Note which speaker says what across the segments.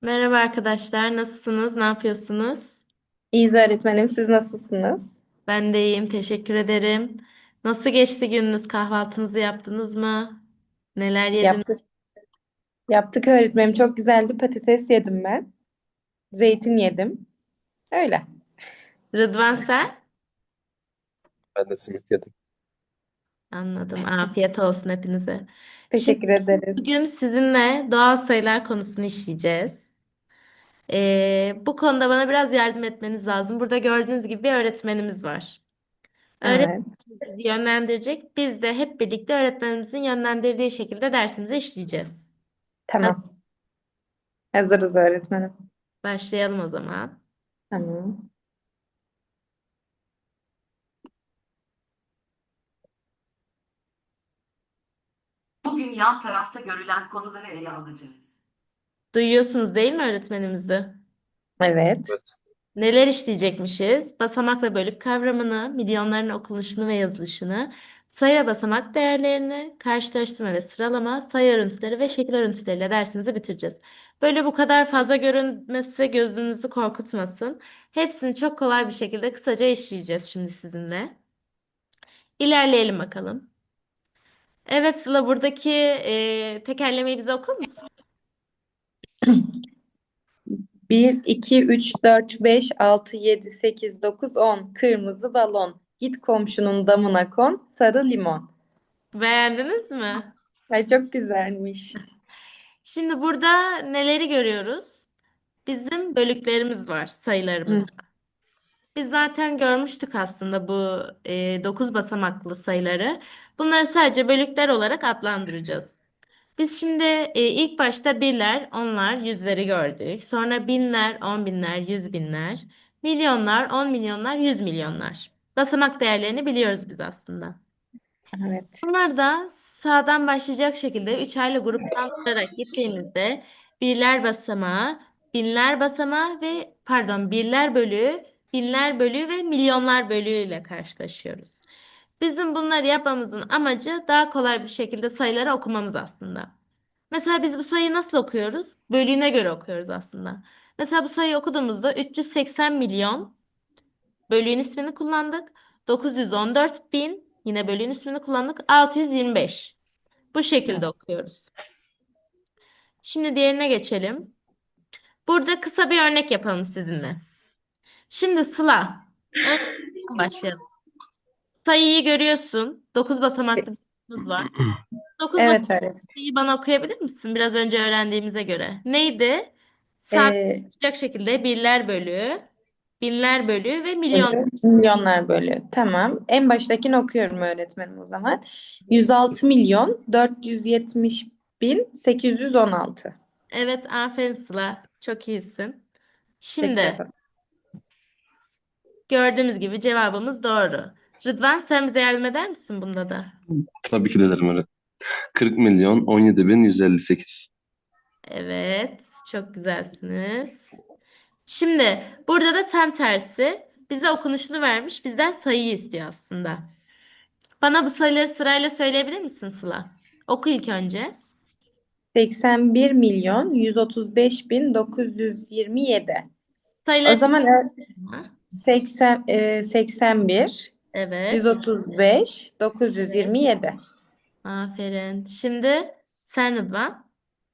Speaker 1: Merhaba arkadaşlar, nasılsınız? Ne yapıyorsunuz?
Speaker 2: İyiyiz öğretmenim. Siz nasılsınız?
Speaker 1: Ben de iyiyim, teşekkür ederim. Nasıl geçti gününüz? Kahvaltınızı yaptınız mı? Neler yediniz?
Speaker 2: Yaptık. Yaptık öğretmenim. Çok güzeldi. Patates yedim ben. Zeytin yedim. Öyle.
Speaker 1: Rıdvan sen?
Speaker 3: Ben de simit yedim.
Speaker 1: Anladım. Afiyet olsun hepinize. Şimdi
Speaker 2: Teşekkür ederiz.
Speaker 1: bugün sizinle doğal sayılar konusunu işleyeceğiz. Bu konuda bana biraz yardım etmeniz lazım. Burada gördüğünüz gibi bir öğretmenimiz var. Öğretmen
Speaker 2: Evet.
Speaker 1: bizi yönlendirecek. Biz de hep birlikte öğretmenimizin yönlendirdiği şekilde dersimizi işleyeceğiz. Hadi
Speaker 2: Tamam. Hazırız öğretmenim.
Speaker 1: başlayalım o zaman.
Speaker 2: Tamam.
Speaker 4: Bugün yan tarafta görülen konuları ele alacağız.
Speaker 1: Duyuyorsunuz değil mi öğretmenimizi?
Speaker 2: Evet.
Speaker 3: Evet.
Speaker 1: Neler işleyecekmişiz? Basamak ve bölük kavramını, milyonların okunuşunu ve yazılışını, sayı ve basamak değerlerini, karşılaştırma ve sıralama, sayı örüntüleri ve şekil örüntüleriyle dersimizi bitireceğiz. Böyle bu kadar fazla görünmesi gözünüzü korkutmasın. Hepsini çok kolay bir şekilde kısaca işleyeceğiz şimdi sizinle. İlerleyelim bakalım. Evet Sıla buradaki tekerlemeyi bize okur musun?
Speaker 2: 1, 2, 3, 4, 5, 6, 7, 8, 9, 10. Kırmızı balon. Git komşunun damına kon. Sarı limon.
Speaker 1: Beğendiniz mi?
Speaker 2: Ay çok güzelmiş.
Speaker 1: Şimdi burada neleri görüyoruz? Bizim bölüklerimiz var, sayılarımız.
Speaker 2: Hı.
Speaker 1: Biz zaten görmüştük aslında bu 9 basamaklı sayıları. Bunları sadece bölükler olarak adlandıracağız. Biz şimdi ilk başta birler, onlar, yüzleri gördük. Sonra binler, on binler, yüz binler, milyonlar, on milyonlar, yüz milyonlar. Basamak değerlerini biliyoruz biz aslında.
Speaker 2: Evet.
Speaker 1: Bunlar da sağdan başlayacak şekilde üçerli gruplandırarak gittiğimizde birler basamağı, binler basamağı ve pardon birler bölüğü, binler bölüğü ve milyonlar bölüğü ile karşılaşıyoruz. Bizim bunları yapmamızın amacı daha kolay bir şekilde sayıları okumamız aslında. Mesela biz bu sayıyı nasıl okuyoruz? Bölüğüne göre okuyoruz aslında. Mesela bu sayıyı okuduğumuzda 380 milyon bölüğün ismini kullandık. 914 bin yine bölüğün ismini kullandık. 625. Bu şekilde okuyoruz. Şimdi diğerine geçelim. Burada kısa bir örnek yapalım sizinle. Şimdi Sıla. Önce başlayalım. Sayıyı görüyorsun. 9 basamaklı bir sayımız var. 9
Speaker 2: Evet öğretmenim.
Speaker 1: basamaklı bana okuyabilir misin? Biraz önce öğrendiğimize göre. Neydi?
Speaker 2: Ee,
Speaker 1: Sadeleşecek şekilde birler bölüğü, binler bölüğü ve milyon.
Speaker 2: bölü, milyonlar bölü. Tamam. En baştakini okuyorum öğretmenim o zaman. 106 milyon 470 bin 816.
Speaker 1: Evet, aferin Sıla. Çok iyisin.
Speaker 2: Teşekkür
Speaker 1: Şimdi
Speaker 2: ederim.
Speaker 1: gördüğümüz gibi cevabımız doğru. Rıdvan sen bize yardım eder misin bunda da?
Speaker 3: Tabii ki de derim öyle. 40 milyon 17 bin 158.
Speaker 1: Evet, çok güzelsiniz. Şimdi burada da tam tersi. Bize okunuşunu vermiş, bizden sayıyı istiyor aslında. Bana bu sayıları sırayla söyleyebilir misin Sıla? Oku ilk önce.
Speaker 2: 81 milyon 135 bin 927. O
Speaker 1: Sayıları
Speaker 2: zaman
Speaker 1: tekrar.
Speaker 2: 80, 81
Speaker 1: Evet.
Speaker 2: 135 927.
Speaker 1: Aferin. Şimdi sen Rıdvan.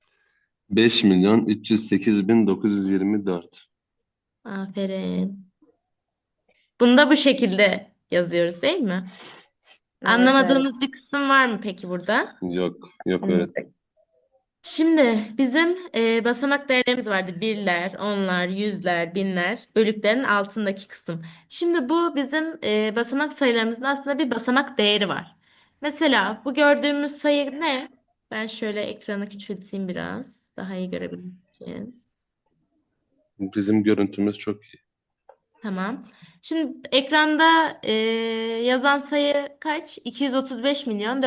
Speaker 3: 5 milyon 308 bin 924.
Speaker 1: Aferin. Bunu da bu şekilde yazıyoruz değil mi?
Speaker 2: Evet öğretmenim.
Speaker 1: Anlamadığınız bir kısım var mı peki burada?
Speaker 3: Yok. Yok öyle.
Speaker 2: Anladık.
Speaker 1: Şimdi bizim basamak değerlerimiz vardı. Birler, onlar, yüzler, binler, bölüklerin altındaki kısım. Şimdi bu bizim basamak sayılarımızın aslında bir basamak değeri var. Mesela bu gördüğümüz sayı ne? Ben şöyle ekranı küçülteyim biraz. Daha iyi görebilmek için.
Speaker 3: Bizim görüntümüz çok iyi.
Speaker 1: Tamam. Şimdi ekranda yazan sayı kaç? 235 milyon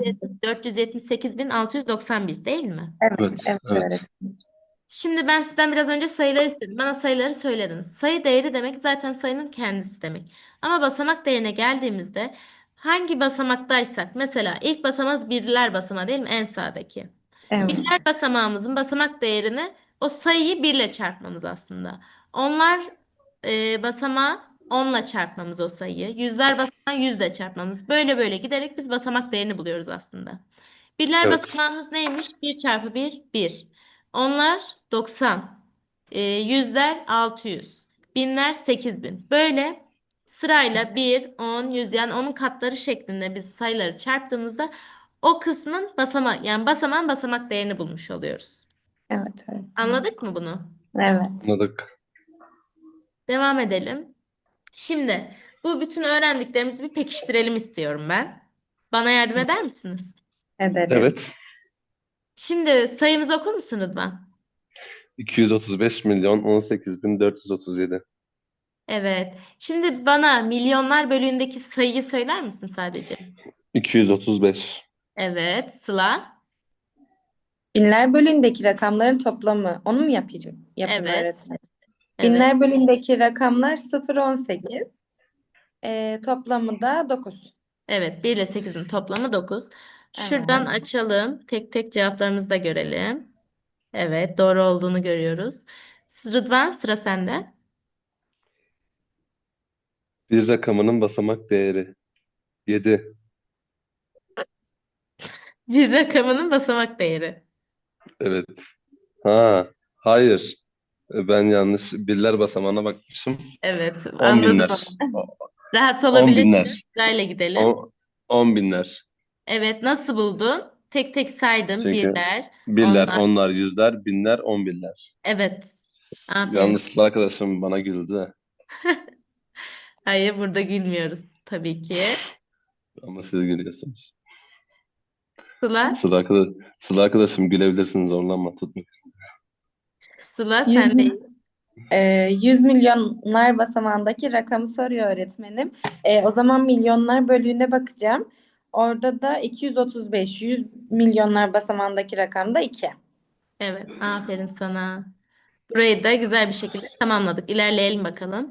Speaker 1: 478 bin 691 değil mi?
Speaker 2: Evet,
Speaker 3: Evet.
Speaker 2: evet
Speaker 3: Evet.
Speaker 2: öğretmenim.
Speaker 1: Şimdi ben sizden biraz önce sayıları istedim. Bana sayıları söylediniz. Sayı değeri demek zaten sayının kendisi demek. Ama basamak değerine geldiğimizde hangi basamaktaysak mesela ilk basamağımız birler basamağı değil mi? En sağdaki.
Speaker 2: Evet.
Speaker 1: Birler basamağımızın basamak değerini O sayıyı 1 ile çarpmamız aslında. Onlar basamağı 10 ile çarpmamız o sayıyı. Yüzler basamağı 100 ile çarpmamız. Böyle böyle giderek biz basamak değerini buluyoruz aslında. Birler
Speaker 3: Evet.
Speaker 1: basamağımız neymiş? Bir çarpı bir, bir. Onlar 90. Yüzler 600. Binler 8000. Böyle sırayla bir, 10, 100 yani onun katları şeklinde biz sayıları çarptığımızda o kısmın basamağı yani basamağın basamak değerini bulmuş oluyoruz.
Speaker 2: Evet öğretmenim.
Speaker 1: Anladık mı bunu?
Speaker 2: Evet.
Speaker 3: Anladık.
Speaker 1: Devam edelim. Şimdi bu bütün öğrendiklerimizi bir pekiştirelim istiyorum ben. Bana yardım eder misiniz?
Speaker 2: Ederiz.
Speaker 3: Evet.
Speaker 1: Şimdi sayımızı okur musun Rıdvan?
Speaker 3: 235 milyon 18 bin 437.
Speaker 1: Evet. Şimdi bana milyonlar bölüğündeki sayıyı söyler misin sadece?
Speaker 3: 235.
Speaker 1: Evet. Sıla.
Speaker 2: Binler bölüğündeki rakamların toplamı. Onu mu yapayım
Speaker 1: Evet.
Speaker 2: öğretmenim?
Speaker 1: Evet.
Speaker 2: Binler bölüğündeki rakamlar 0, 18. Toplamı da 9.
Speaker 1: Evet. 1 ile 8'in toplamı 9. Şuradan
Speaker 2: Evet.
Speaker 1: açalım. Tek tek cevaplarımızı da görelim. Evet. Doğru olduğunu görüyoruz. Rıdvan sıra sende.
Speaker 3: Bir rakamının basamak değeri 7.
Speaker 1: Bir rakamının basamak değeri.
Speaker 3: Evet. Ha, hayır. Ben yanlış birler basamağına bakmışım.
Speaker 1: Evet.
Speaker 3: 10
Speaker 1: Anladım
Speaker 3: binler.
Speaker 1: onu. Rahat
Speaker 3: 10
Speaker 1: olabilirsin.
Speaker 3: binler.
Speaker 1: Sırayla gidelim.
Speaker 3: 10 binler.
Speaker 1: Evet. Nasıl buldun? Tek tek saydım.
Speaker 3: Çünkü
Speaker 1: Birler,
Speaker 3: birler,
Speaker 1: onlar.
Speaker 3: onlar, yüzler, binler, 10 binler.
Speaker 1: Evet. Aferin.
Speaker 3: Yalnız arkadaşım bana güldü.
Speaker 1: Hayır, burada gülmüyoruz tabii ki.
Speaker 3: Ama siz gülüyorsunuz.
Speaker 1: Sıla,
Speaker 3: Sıla arkadaşım gülebilirsin, zorlanma, tutma.
Speaker 1: Sıla
Speaker 2: 100,
Speaker 1: sen de
Speaker 2: 100 milyonlar basamağındaki rakamı soruyor öğretmenim. O zaman milyonlar bölüğüne bakacağım. Orada da 235. 100 milyonlar basamağındaki rakam da 2.
Speaker 1: evet, aferin sana. Burayı da güzel bir şekilde tamamladık. İlerleyelim bakalım.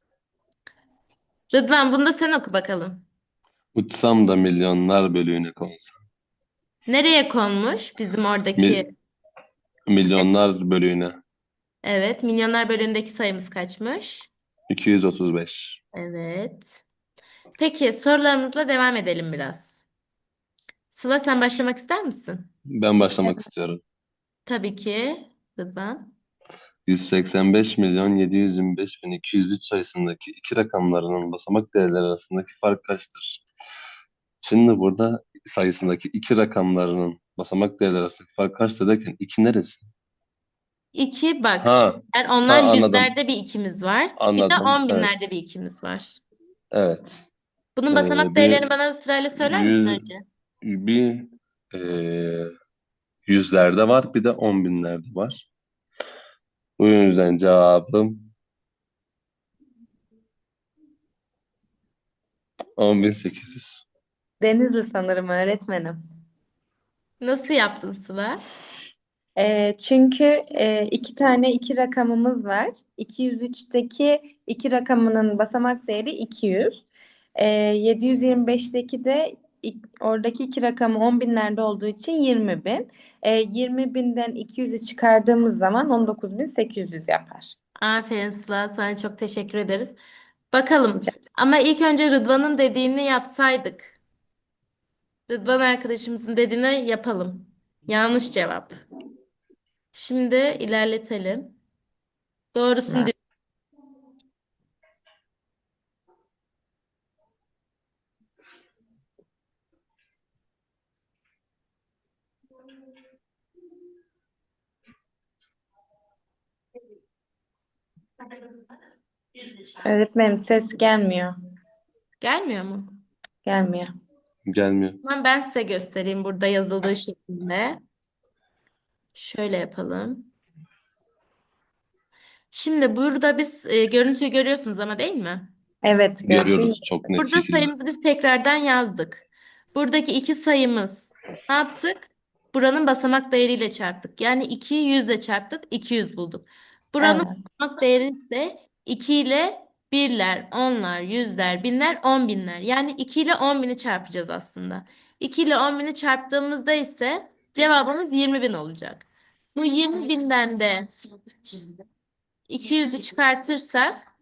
Speaker 1: Rıdvan bunu da sen oku bakalım.
Speaker 3: Uçsam da milyonlar bölüğüne konsam.
Speaker 1: Nereye konmuş bizim oradaki?
Speaker 3: Mi- Milyonlar bölüğüne.
Speaker 1: Evet, milyonlar bölüğündeki sayımız kaçmış?
Speaker 3: 235.
Speaker 1: Evet. Peki sorularımızla devam edelim biraz. Sıla sen başlamak ister misin?
Speaker 3: Ben başlamak istiyorum.
Speaker 1: Tabii ki Rıdvan.
Speaker 3: 185 milyon 725 bin 203 sayısındaki iki rakamlarının basamak değerleri arasındaki fark kaçtır? Şimdi burada sayısındaki iki rakamlarının basamak değerleri arasındaki fark kaçtır derken iki neresi?
Speaker 1: İki bak.
Speaker 3: Ha,
Speaker 1: Onlar
Speaker 3: anladım.
Speaker 1: yüzlerde bir ikimiz var. Bir de
Speaker 3: Anladım.
Speaker 1: on
Speaker 3: Evet.
Speaker 1: binlerde bir ikimiz var.
Speaker 3: Evet.
Speaker 1: Bunun basamak
Speaker 3: Bir
Speaker 1: değerlerini bana sırayla söyler misin
Speaker 3: 100
Speaker 1: önce?
Speaker 3: bir e, yüzlerde var, bir de 10 binlerde var. Bu yüzden cevabım 10.800.
Speaker 2: Denizli sanırım öğretmenim.
Speaker 1: Nasıl yaptın Sıla?
Speaker 2: Çünkü iki tane iki rakamımız var. 203'teki iki rakamının basamak değeri 200. 725'teki de oradaki iki rakamı 10 binlerde olduğu için 20 bin. 20 binden 200'ü çıkardığımız zaman 19.800 yapar.
Speaker 1: Aferin Sıla. Sana çok teşekkür ederiz. Bakalım.
Speaker 2: Rica-
Speaker 1: Ama ilk önce Rıdvan'ın dediğini yapsaydık. Rıdvan arkadaşımızın dediğini yapalım. Yanlış cevap. Şimdi ilerletelim. Doğrusunu
Speaker 2: Öğretmenim ses gelmiyor.
Speaker 1: gelmiyor mu?
Speaker 2: Gelmiyor.
Speaker 3: Gelmiyor.
Speaker 1: Hemen ben size göstereyim burada yazıldığı şeklinde. Şöyle yapalım. Şimdi burada biz görüntüyü görüyorsunuz ama değil mi?
Speaker 2: Evet görüntüyü.
Speaker 3: Görüyoruz çok net
Speaker 1: Burada
Speaker 3: şekilde.
Speaker 1: sayımızı biz tekrardan yazdık. Buradaki iki sayımız ne yaptık? Buranın basamak değeriyle çarptık. Yani 2'yi 100 ile çarptık, 200 bulduk. Buranın
Speaker 2: Evet.
Speaker 1: basamak değeri ise 2 ile birler, onlar, yüzler, binler, 10 binler. Yani 2 ile 10 bini çarpacağız aslında. 2 ile 10 bini çarptığımızda ise cevabımız 20 bin olacak. Bu 20 binden de 200'ü çıkartırsak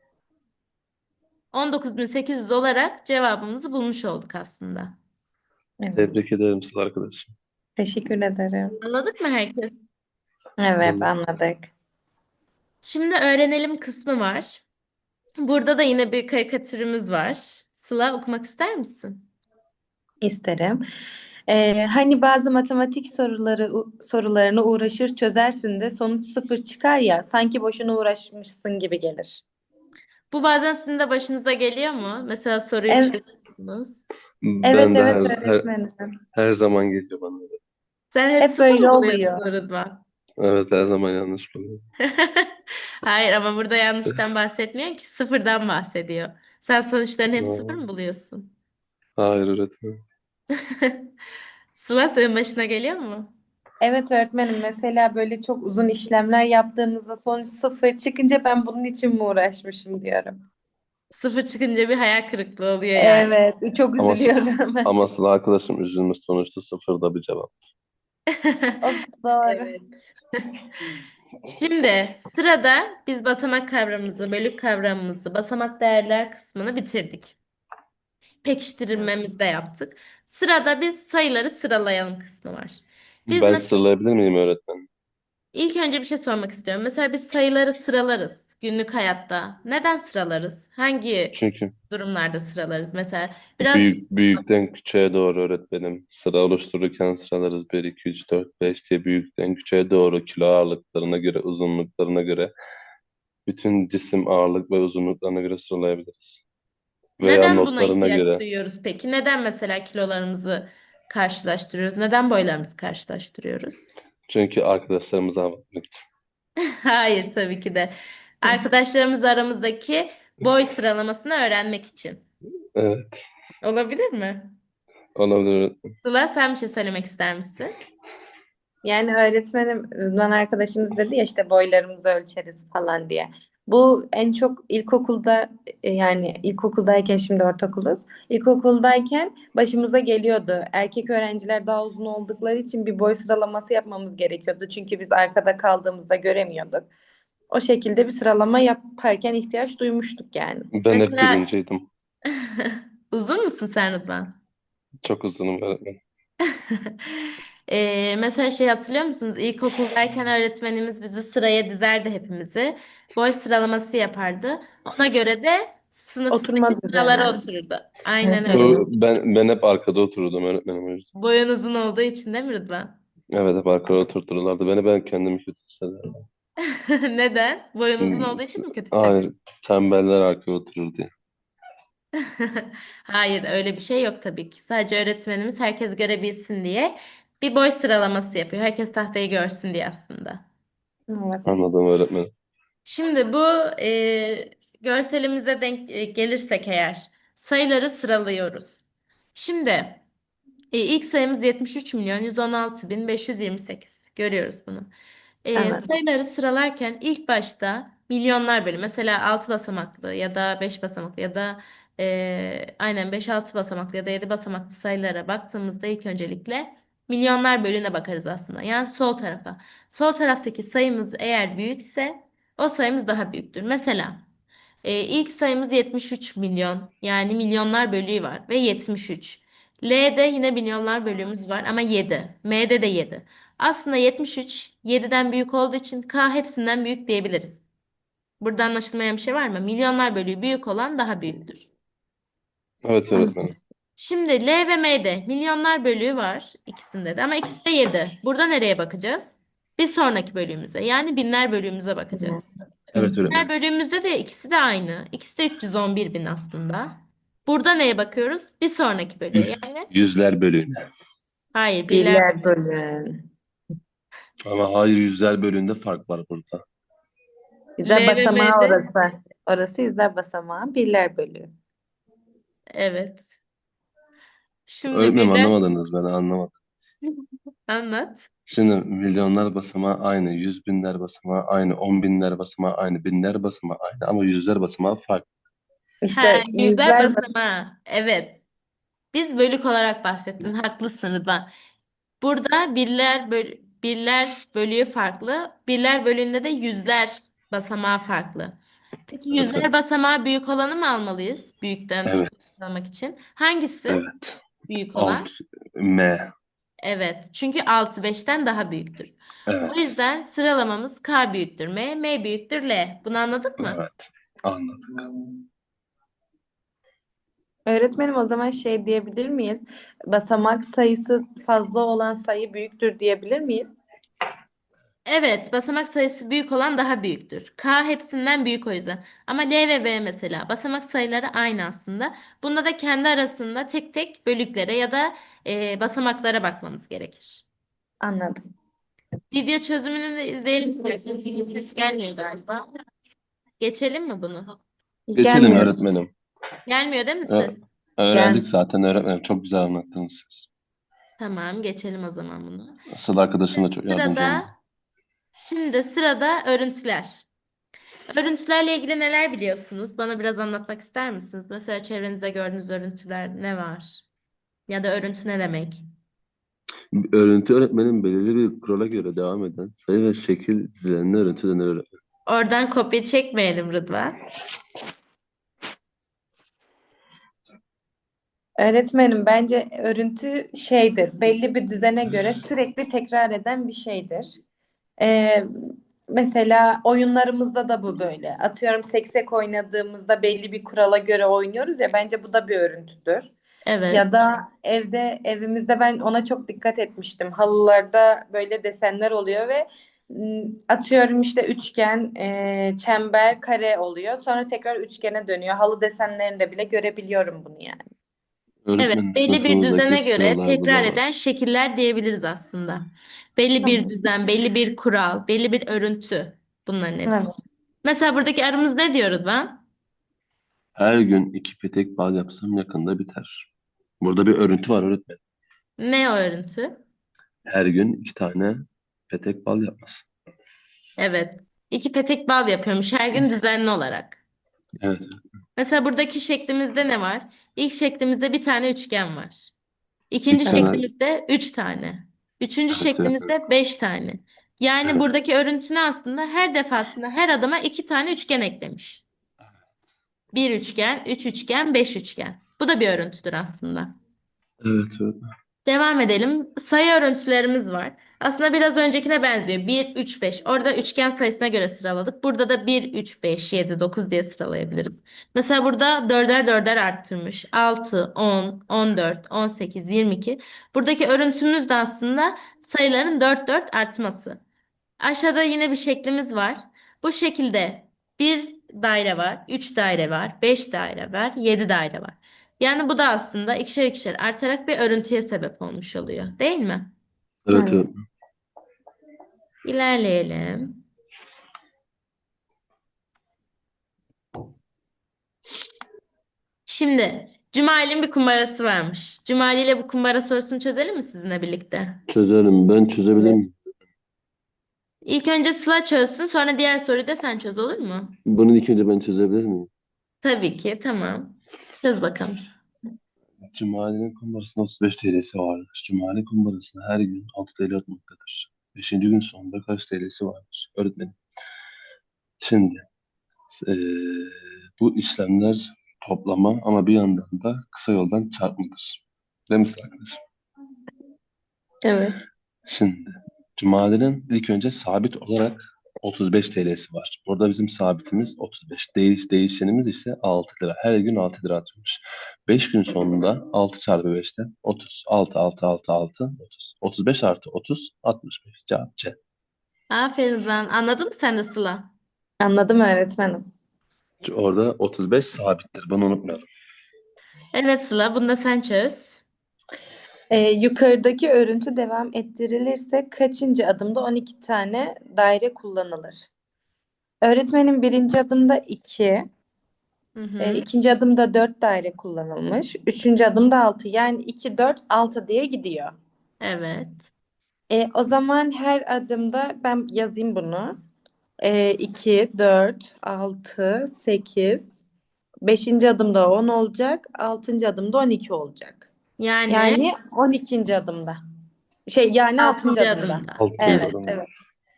Speaker 1: 19.800 olarak cevabımızı bulmuş olduk aslında.
Speaker 2: Evet.
Speaker 3: Tebrik ederim Sıla arkadaşım.
Speaker 2: Teşekkür ederim.
Speaker 1: Anladık mı herkes?
Speaker 2: Evet,
Speaker 3: Anladım.
Speaker 2: anladık.
Speaker 1: Şimdi öğrenelim kısmı var. Burada da yine bir karikatürümüz var. Sıla okumak ister misin?
Speaker 2: İsterim. Hani bazı matematik sorularını uğraşır çözersin de sonuç sıfır çıkar ya sanki boşuna uğraşmışsın gibi gelir.
Speaker 1: Bu bazen sizin de başınıza geliyor mu? Mesela soruyu
Speaker 2: Evet,
Speaker 1: çözüyorsunuz.
Speaker 2: evet,
Speaker 3: Ben de
Speaker 2: evet öğretmenim.
Speaker 3: her zaman geliyor bana.
Speaker 1: Sen hep
Speaker 2: Hep
Speaker 1: sıfır
Speaker 2: böyle
Speaker 1: mı
Speaker 2: oluyor.
Speaker 1: buluyorsun Rıdvan?
Speaker 3: Evet, her zaman yanlış buluyorum.
Speaker 1: Hayır ama burada yanlıştan bahsetmiyor ki sıfırdan bahsediyor. Sen sonuçların hep sıfır
Speaker 3: Aa,
Speaker 1: mı buluyorsun?
Speaker 3: hayır öğretmenim.
Speaker 1: Sıla senin başına geliyor mu?
Speaker 2: Evet öğretmenim mesela böyle çok uzun işlemler yaptığımızda sonuç sıfır çıkınca ben bunun için mi uğraşmışım diyorum.
Speaker 1: Sıfır çıkınca bir hayal kırıklığı oluyor yani.
Speaker 2: Evet, çok
Speaker 3: Ama,
Speaker 2: üzülüyorum.
Speaker 3: ama Sıla arkadaşım üzülmüş, sonuçta sıfırda bir cevap.
Speaker 2: O doğru.
Speaker 1: Evet. Şimdi sırada biz basamak kavramımızı, bölük kavramımızı, basamak değerler kısmını bitirdik. Pekiştirmemizi de yaptık. Sırada biz sayıları sıralayalım kısmı var. Biz
Speaker 3: Ben sıralayabilir miyim öğretmenim?
Speaker 1: İlk önce bir şey sormak istiyorum. Mesela biz sayıları sıralarız günlük hayatta. Neden sıralarız? Hangi
Speaker 3: Çünkü
Speaker 1: durumlarda sıralarız? Mesela biraz
Speaker 3: büyükten küçüğe doğru öğretmenim. Sıra oluştururken sıralarız, bir 2 3 4 5 diye büyükten küçüğe doğru kilo ağırlıklarına göre, uzunluklarına göre, bütün cisim ağırlık ve uzunluklarına göre sıralayabiliriz. Veya
Speaker 1: neden buna
Speaker 3: notlarına
Speaker 1: ihtiyaç
Speaker 3: göre.
Speaker 1: duyuyoruz peki? Neden mesela kilolarımızı karşılaştırıyoruz? Neden boylarımızı karşılaştırıyoruz?
Speaker 3: Çünkü arkadaşlarımıza hava atmak için.
Speaker 1: Hayır tabii ki de. Arkadaşlarımız aramızdaki boy sıralamasını öğrenmek için.
Speaker 3: Evet,
Speaker 1: Olabilir mi?
Speaker 3: olabilir.
Speaker 1: Sıla sen bir şey söylemek ister misin?
Speaker 2: Yani öğretmenim Rızvan arkadaşımız dedi ya işte boylarımızı ölçeriz falan diye. Bu en çok ilkokulda yani ilkokuldayken şimdi ortaokuluz. İlkokuldayken başımıza geliyordu. Erkek öğrenciler daha uzun oldukları için bir boy sıralaması yapmamız gerekiyordu. Çünkü biz arkada kaldığımızda göremiyorduk. O şekilde bir sıralama yaparken ihtiyaç duymuştuk yani.
Speaker 3: Ben hep
Speaker 1: Mesela
Speaker 3: birinciydim.
Speaker 1: uzun musun sen Rıdvan?
Speaker 3: Çok uzunum öğretmenim.
Speaker 1: Mesela şey hatırlıyor musunuz? İlkokuldayken öğretmenimiz bizi sıraya dizerdi hepimizi. Boy sıralaması yapardı. Ona göre de sınıftaki
Speaker 2: Oturma
Speaker 1: sıralara
Speaker 2: düzenler.
Speaker 1: otururdu.
Speaker 2: Hı
Speaker 1: Aynen öyle.
Speaker 2: hı.
Speaker 3: Ben hep arkada otururdum öğretmenim o yüzden.
Speaker 1: Boyun uzun olduğu için değil mi Rıdvan?
Speaker 3: Evet, hep arkada oturturlardı beni, ben kendimi kötü hissederdim.
Speaker 1: Neden? Boyun uzun
Speaker 3: Hmm,
Speaker 1: olduğu için mi kötü hissediyorsun?
Speaker 3: Hayır, tembeller arkaya oturur diye.
Speaker 1: Hayır, öyle bir şey yok tabii ki. Sadece öğretmenimiz herkes görebilsin diye bir boy sıralaması yapıyor. Herkes tahtayı görsün diye aslında.
Speaker 2: Evet.
Speaker 3: Anladım öğretmenim.
Speaker 1: Şimdi bu görselimize denk gelirsek eğer sayıları sıralıyoruz. Şimdi ilk sayımız 73 milyon 116 bin 528. Görüyoruz bunu.
Speaker 2: Evet.
Speaker 1: Sayıları sıralarken ilk başta milyonlar bölü mesela 6 basamaklı ya da 5 basamaklı ya da aynen 5-6 basamaklı ya da 7 basamaklı sayılara baktığımızda ilk öncelikle milyonlar bölüne bakarız aslında. Yani sol tarafa. Sol taraftaki sayımız eğer büyükse o sayımız daha büyüktür. Mesela ilk sayımız 73 milyon yani milyonlar bölüğü var ve 73. L'de yine milyonlar bölüğümüz var ama 7. M'de de 7. Aslında 73 7'den büyük olduğu için K hepsinden büyük diyebiliriz. Burada anlaşılmayan bir şey var mı? Milyonlar bölüğü büyük olan daha büyüktür.
Speaker 3: Evet öğretmenim.
Speaker 1: Şimdi L ve M'de milyonlar bölüğü var ikisinde de ama ikisi de 7. Burada nereye bakacağız? Bir sonraki bölüğümüze yani binler bölüğümüze bakacağız.
Speaker 2: Hı.
Speaker 3: Evet
Speaker 1: Binler
Speaker 3: öğretmenim.
Speaker 1: bölüğümüzde de ikisi de aynı. İkisi de 311 bin aslında. Burada neye bakıyoruz? Bir sonraki bölüğe yani.
Speaker 3: Yüzler bölüğüne.
Speaker 1: Hayır birler
Speaker 2: Birler bölün.
Speaker 3: Ama hayır, yüzler bölüğünde fark var burada.
Speaker 1: L
Speaker 2: Yüzler
Speaker 1: ve
Speaker 2: basamağı
Speaker 1: M'de.
Speaker 2: orası. Orası yüzler basamağı. Birler bölü.
Speaker 1: Evet. Şimdi
Speaker 3: Öğretmenim
Speaker 1: birler
Speaker 3: anlamadınız, beni anlamadım.
Speaker 1: anlat.
Speaker 3: Şimdi milyonlar basamağı aynı, yüz binler basamağı aynı, on binler basamağı aynı, binler basamağı aynı ama yüzler basamağı farklı.
Speaker 1: Ha,
Speaker 2: İşte
Speaker 1: yüzler
Speaker 2: yüzler
Speaker 1: basamağı. Evet. Biz bölük olarak bahsettin. Haklısın Rıdvan. Burada birler bölü birler bölüğü farklı. Birler bölüğünde de yüzler basamağı farklı. Peki
Speaker 3: Evet,
Speaker 1: yüzler basamağı büyük olanı mı almalıyız? Büyükten
Speaker 3: evet,
Speaker 1: küçük almak için. Hangisi
Speaker 3: evet.
Speaker 1: büyük
Speaker 3: Alt
Speaker 1: olan?
Speaker 3: M.
Speaker 1: Evet. Çünkü 6 5'ten daha büyüktür. O
Speaker 3: Evet,
Speaker 1: yüzden sıralamamız K büyüktür M, M büyüktür L. Bunu anladık mı?
Speaker 3: evet. Anladık.
Speaker 2: Öğretmenim o zaman şey diyebilir miyiz? Basamak sayısı fazla olan sayı büyüktür diyebilir miyiz?
Speaker 1: Evet, basamak sayısı büyük olan daha büyüktür. K hepsinden büyük o yüzden. Ama L ve B mesela basamak sayıları aynı aslında. Bunda da kendi arasında tek tek bölüklere ya da basamaklara bakmamız gerekir.
Speaker 2: Anladım.
Speaker 1: Video çözümünü de izleyelim isterseniz. Ses gelmiyor galiba. Geçelim mi bunu?
Speaker 3: Geçelim
Speaker 2: Gelmiyor.
Speaker 3: öğretmenim.
Speaker 1: Gelmiyor değil mi
Speaker 3: Ö-
Speaker 1: ses?
Speaker 3: Öğrendik
Speaker 2: Gel.
Speaker 3: zaten öğretmenim. Çok güzel anlattınız siz.
Speaker 1: Tamam, geçelim o zaman bunu.
Speaker 3: Asıl arkadaşım da çok yardımcı oldu.
Speaker 1: Sırada, şimdi sırada örüntüler. Örüntülerle ilgili neler biliyorsunuz? Bana biraz anlatmak ister misiniz? Mesela çevrenizde gördüğünüz örüntüler ne var? Ya da örüntü ne demek?
Speaker 3: Örüntü öğretmenin belirli bir kurala göre devam eden sayı ve şekil dizilerine örüntü denir öğretmenim.
Speaker 1: Oradan kopya çekmeyelim Rıdvan.
Speaker 2: Öğretmenim bence örüntü şeydir. Belli bir düzene göre sürekli tekrar eden bir şeydir. Ee, Mesela oyunlarımızda da bu böyle. Atıyorum seksek oynadığımızda belli bir kurala göre oynuyoruz ya bence bu da bir örüntüdür.
Speaker 1: Evet.
Speaker 2: Ya da evimizde ben ona çok dikkat etmiştim. Halılarda böyle desenler oluyor ve atıyorum işte üçgen, çember, kare oluyor. Sonra tekrar üçgene dönüyor. Halı desenlerinde bile görebiliyorum bunu yani.
Speaker 1: Evet,
Speaker 3: Öğretmenin
Speaker 1: belli bir
Speaker 3: sınıfımızdaki
Speaker 1: düzene göre
Speaker 3: sıralar
Speaker 1: tekrar eden
Speaker 3: bulamaz.
Speaker 1: şekiller diyebiliriz aslında. Belli bir
Speaker 2: Tamam.
Speaker 1: düzen, belli bir kural, belli bir örüntü bunların hepsi.
Speaker 2: Evet.
Speaker 1: Mesela buradaki arımız ne diyor Rıdvan?
Speaker 3: Her gün 2 petek bal yapsam yakında biter. Burada bir örüntü var öğretmenim.
Speaker 1: Ne o örüntü?
Speaker 3: Her gün 2 petek bal yapması.
Speaker 1: Evet. 2 petek bal yapıyormuş her gün düzenli olarak.
Speaker 3: Evet,
Speaker 1: Mesela buradaki şeklimizde ne var? İlk şeklimizde bir tane üçgen var. İkinci
Speaker 3: 2 tane.
Speaker 1: şeklimizde 3 tane. Üçüncü
Speaker 3: Evet, öğretmenim.
Speaker 1: şeklimizde 5 tane. Yani
Speaker 3: Evet,
Speaker 1: buradaki örüntü ne aslında? Her defasında her adıma 2 tane üçgen eklemiş. Bir üçgen, üç üçgen, 5 üçgen. Bu da bir örüntüdür aslında.
Speaker 3: evet öğretmenim.
Speaker 1: Devam edelim. Sayı örüntülerimiz var. Aslında biraz öncekine benziyor. Bir, 3, 5. Orada üçgen sayısına göre sıraladık. Burada da bir, 3, 5, 7, 9 diye sıralayabiliriz. Mesela burada dörder dörder arttırmış. 6, 10, 14, 18, 22. Buradaki örüntümüz de aslında sayıların 4 4 artması. Aşağıda yine bir şeklimiz var. Bu şekilde bir daire var, 3 daire var, 5 daire var, 7 daire var. Yani bu da aslında ikişer ikişer artarak bir örüntüye sebep olmuş oluyor, değil mi?
Speaker 3: Evet
Speaker 2: Evet.
Speaker 3: öğretmenim.
Speaker 1: İlerleyelim. Şimdi Cumali'nin bir kumbarası varmış. Cumali ile bu kumbara sorusunu çözelim mi sizinle birlikte?
Speaker 3: Çözerim. Ben çözebilir
Speaker 2: Evet.
Speaker 3: miyim?
Speaker 1: İlk önce Sıla çözsün, sonra diğer soruyu da sen çöz, olur mu?
Speaker 3: Bunu ilk önce ben çözebilir miyim?
Speaker 1: Tabii ki, tamam. Çöz bakalım.
Speaker 3: Cumali'nin kumbarasında 35 TL'si vardır. Cumali kumbarasına her gün 6 TL atmaktadır. Beşinci gün sonunda kaç TL'si vardır? Öğretmenim. Şimdi eee, bu işlemler toplama ama bir yandan da kısa yoldan çarpmadır. Değil mi arkadaşım?
Speaker 2: Evet.
Speaker 3: Şimdi Cumali'nin ilk önce sabit olarak 35 TL'si var. Burada bizim sabitimiz 35. Değişenimiz ise 6 lira. Her gün 6 lira atıyormuş. 5 gün sonunda 6 çarpı 5'ten 30. 6, 6, 6, 6, 30. 35 artı 30, 65. Cevap C.
Speaker 1: Aferin ben. Anladın mı sen de Sıla?
Speaker 2: Anladım öğretmenim.
Speaker 3: Orada 35 sabittir. Bunu unutmayalım.
Speaker 1: Evet Sıla, bunu da sen çöz.
Speaker 2: Yukarıdaki örüntü devam ettirilirse kaçıncı adımda 12 tane daire kullanılır? Öğretmenin birinci adımda 2,
Speaker 1: Hı hı.
Speaker 2: ikinci adımda 4 daire kullanılmış, üçüncü adımda 6. Yani 2, 4, 6 diye gidiyor.
Speaker 1: Evet.
Speaker 2: O zaman her adımda ben yazayım bunu. 2, 4, 6, 8. Beşinci adımda 10 olacak. Altıncı adımda 12 olacak.
Speaker 1: Yani
Speaker 2: Yani 12. adımda. Yani 6.
Speaker 1: 6.
Speaker 2: adımda.
Speaker 1: adımda.
Speaker 3: Altıncı
Speaker 2: Evet,
Speaker 1: Evet.
Speaker 3: adım.
Speaker 2: evet.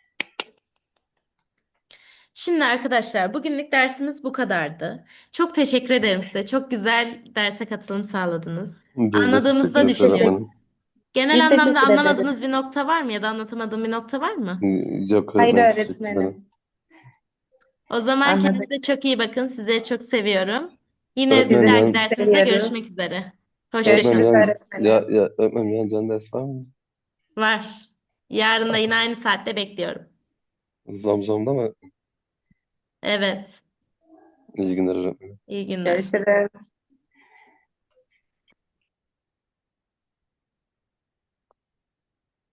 Speaker 1: Şimdi arkadaşlar bugünlük dersimiz bu kadardı. Çok teşekkür ederim size. Çok güzel derse katılım sağladınız.
Speaker 3: Biz de
Speaker 1: Anladığımızı
Speaker 3: teşekkür
Speaker 1: da
Speaker 3: ederiz
Speaker 1: düşünüyorum.
Speaker 3: öğretmenim.
Speaker 1: Genel
Speaker 2: Biz
Speaker 1: anlamda
Speaker 2: teşekkür ederiz.
Speaker 1: anlamadığınız bir nokta var mı ya da anlatamadığım bir nokta var mı?
Speaker 3: Yok
Speaker 2: Hayır
Speaker 3: öğretmenim, teşekkür ederim.
Speaker 2: öğretmenim.
Speaker 1: O zaman
Speaker 2: Anladık.
Speaker 1: kendinize çok iyi bakın. Sizleri çok seviyorum. Yine bir
Speaker 3: Öğretmenim
Speaker 2: Sizi
Speaker 1: dahaki
Speaker 3: yan,
Speaker 2: çok
Speaker 1: dersimizde
Speaker 2: seviyoruz.
Speaker 1: görüşmek üzere. Hoşça
Speaker 3: öğretmenim
Speaker 2: Görüşürüz
Speaker 1: kalın.
Speaker 3: yan,
Speaker 2: öğretmenim.
Speaker 3: öğretmenim yan can ders var mı?
Speaker 1: Var. Yarın da yine aynı saatte bekliyorum.
Speaker 3: Zamzam'da mı?
Speaker 1: Evet.
Speaker 3: İyi günler öğretmenim.
Speaker 1: İyi günler.
Speaker 2: Görüşürüz.